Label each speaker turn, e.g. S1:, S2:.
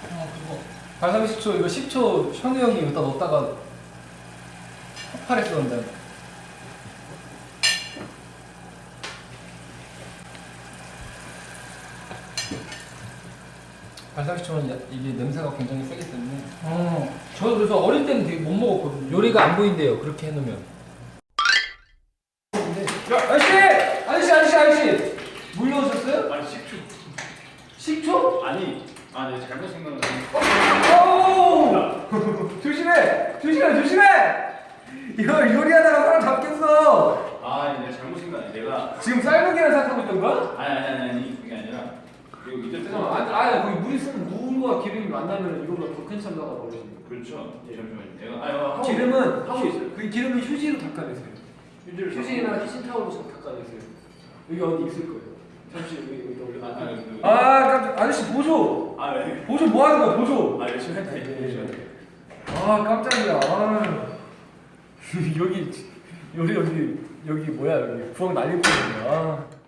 S1: 그거 발사믹 식초 이거 10초 현우 형이 여기다 넣었다가 폭발했었는데. 발사믹 식초는 이게 냄새가 굉장히 세기 때문에. 저도 그래서 어릴 때는 되게 못 먹었거든요. 요리가 안 보인대요. 그렇게 해놓으면. 야, 아저씨! 물 넣으셨어요?
S2: 아니 식초.
S1: 식초?
S2: 아니 네 잘못 생각한
S1: 조심해! 이거 요리하다가 사람 잡겠어.
S2: 내가 잘못 생각해. 내가
S1: 지금 삶은 계란 생각하고 있던 거야?
S2: 아니 그게 아니라 이거 밑에 뜨거워.
S1: 거기 물이 쓰면 무과 기름이 만나면 이거보다 더 큰 참사가 벌어지는 거야.
S2: 그렇죠. 잠시만요. 내가
S1: 기름은
S2: 하고 있어요.
S1: 그 기름은 휴지로 닦아내세요. 휴지나 키친타올로 닦아내세요. 여기 어디 있을 거예요. 잠시 여기 올려. 깜짝 아저씨 보조.
S2: 네.
S1: 보조 뭐 하는 거야 보조?
S2: 열심히 할게. 열심히 할게.
S1: 깜짝이야. 여기 뭐야 여기 부엌 난리 뻔했네.